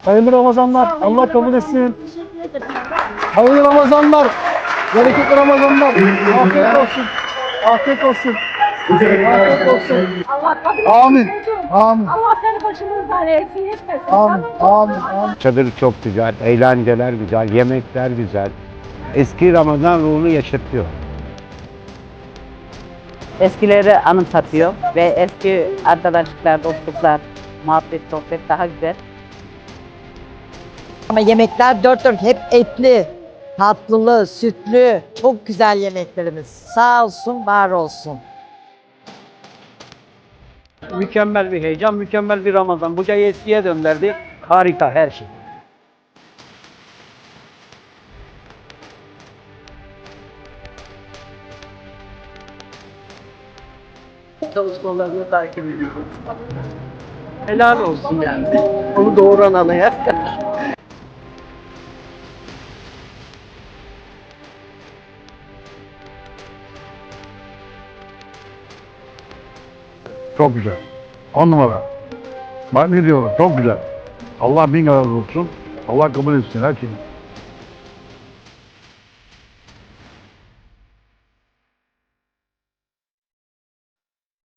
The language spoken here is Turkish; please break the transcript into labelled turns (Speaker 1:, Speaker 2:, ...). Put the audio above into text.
Speaker 1: Hayırlı Ramazanlar. Allah kabul etsin. Hayırlı Ramazanlar. Bereketli Ramazanlar. Afiyet olsun. Afiyet olsun. Afiyet olsun.
Speaker 2: Allah kabul etsin.
Speaker 1: Amin.
Speaker 2: çocuğum.
Speaker 1: Amin.
Speaker 2: Allah seni başımızdan eksik etmesin.
Speaker 1: Amin. Amin. Amin.
Speaker 3: Çadır çok güzel, eğlenceler güzel, yemekler güzel. Eski Ramazan ruhunu yaşatıyor.
Speaker 4: Eskileri anımsatıyor ve eski arkadaşlıklar, dostluklar, muhabbet, sohbet daha güzel.
Speaker 5: Ama yemekler dört dört hep etli, tatlılı, sütlü, çok güzel yemeklerimiz. Sağ olsun, var olsun.
Speaker 3: Mükemmel bir heyecan, mükemmel bir Ramazan. Buca'yı eskiye döndürdü. Harika her şey. Çalışmalarını takip ediyorum. Helal olsun yani. Onu doğuran anaya.
Speaker 1: Çok güzel. 10 numara. Ben ne diyorum? Çok güzel. Allah bin razı olsun. Allah kabul etsin her şeyi.